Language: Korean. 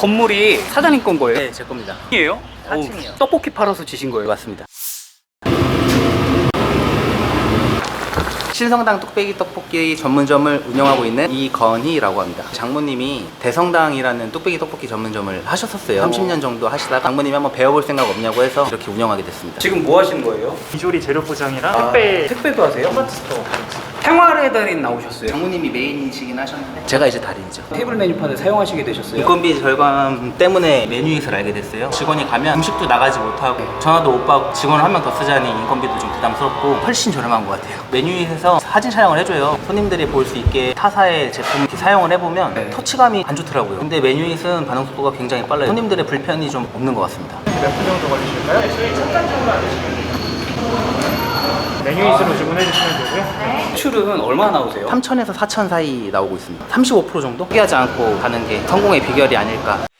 건물이 사장님 건 거예요? 네, 제 겁니다. 이에요? 4층이요. 떡볶이 팔아서 지신 거예요? 맞습니다. 신성당 뚝배기 떡볶이 전문점을 운영하고 있는 이건희라고 합니다. 장모님이 대성당이라는 뚝배기 떡볶이 전문점을 하셨었어요. 30년 정도 하시다가 장모님이 한번 배워볼 생각 없냐고 해서 이렇게 운영하게 됐습니다. 지금 뭐 하시는 거예요? 비조리 재료 포장이랑 택배 택배도 하세요? 토마토 스토어. 생활의 달인 나오셨어요. 장모님이 메인이시긴 하셨는데 제가 이제 달인이죠. 테이블 메뉴판을 사용하시게 되셨어요? 인건비 절감 때문에 메뉴잇을 알게 됐어요. 직원이 가면 음식도 나가지 못하고 전화도 못 받고 직원을 한 명 더 쓰자니 인건비도 좀 부담스럽고 훨씬 저렴한 것 같아요. 메뉴잇에서 사진 촬영을 해줘요. 손님들이 볼 수 있게 타사의 제품 이렇게 사용을 해보면 네. 터치감이 안 좋더라고요. 근데 메뉴잇은 반응 속도가 굉장히 빨라요. 손님들의 불편이 좀 없는 것 같습니다. 몇 분 정도 걸리실까요? 네, 저희 잠깐 정도만 드시면 메뉴잇으로 주문해 주시면 되고요. 매출은 얼마나 나오세요? 3천에서 4천 사이 나오고 있습니다. 35% 정도? 포기하지 않고 가는 게 성공의 비결이 아닐까.